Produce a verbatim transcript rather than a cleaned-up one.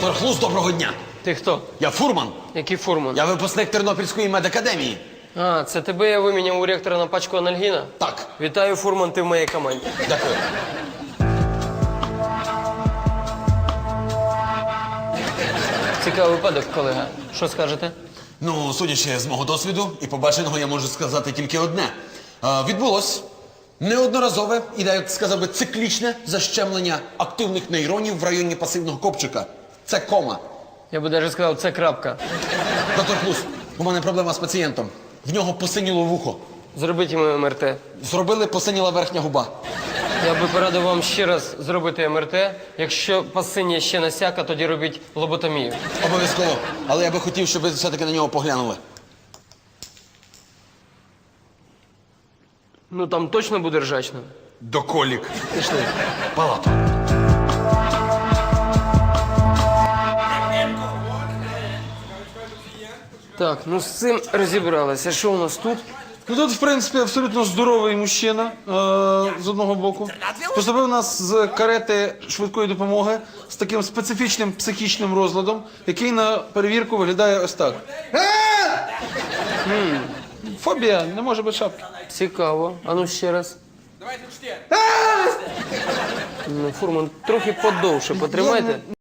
Доктор Хлус, доброго дня. Ти хто? Я фурман. Який фурман? Я випускник Тернопільської медакадемії. А, це тебе я виміняв у ректора на пачку анальгіна? Так, Вітаю, фурман, ти в моїй команді. дякую. Цікавий випадок, колега. Що скажете? Ну, судячи з мого досвіду і побаченого, я можу сказати тільки одне. А, відбулось неодноразове і, як сказав би, циклічне защемлення активних нейронів в районі пасивного копчика. Це кома. Я би навіть сказав, це крапка. Доктор Хлус, у мене проблема з пацієнтом. В нього посиніло вухо. Зробіть йому ем ер те. Зробили, посиніла верхня губа. Я би порадив вам ще раз зробити ем ер те. Якщо пасиння ще насяка, тоді робіть лоботомію. Обов'язково. Але я би хотів, щоб ви все-таки на нього поглянули. Ну там точно буде ржачно. Доколік. Пішли. Палату. Так, ну з цим розібралися. Що у нас тут? Ну тут, в принципі, абсолютно здоровий мужчина е, з одного боку. Поступив у нас з карети швидкої допомоги з таким специфічним психічним розладом, який на перевірку виглядає ось так. М, Фобія, не може бути шапки. Цікаво. А ну ще раз. Ну, фурман, трохи подовше потримайте.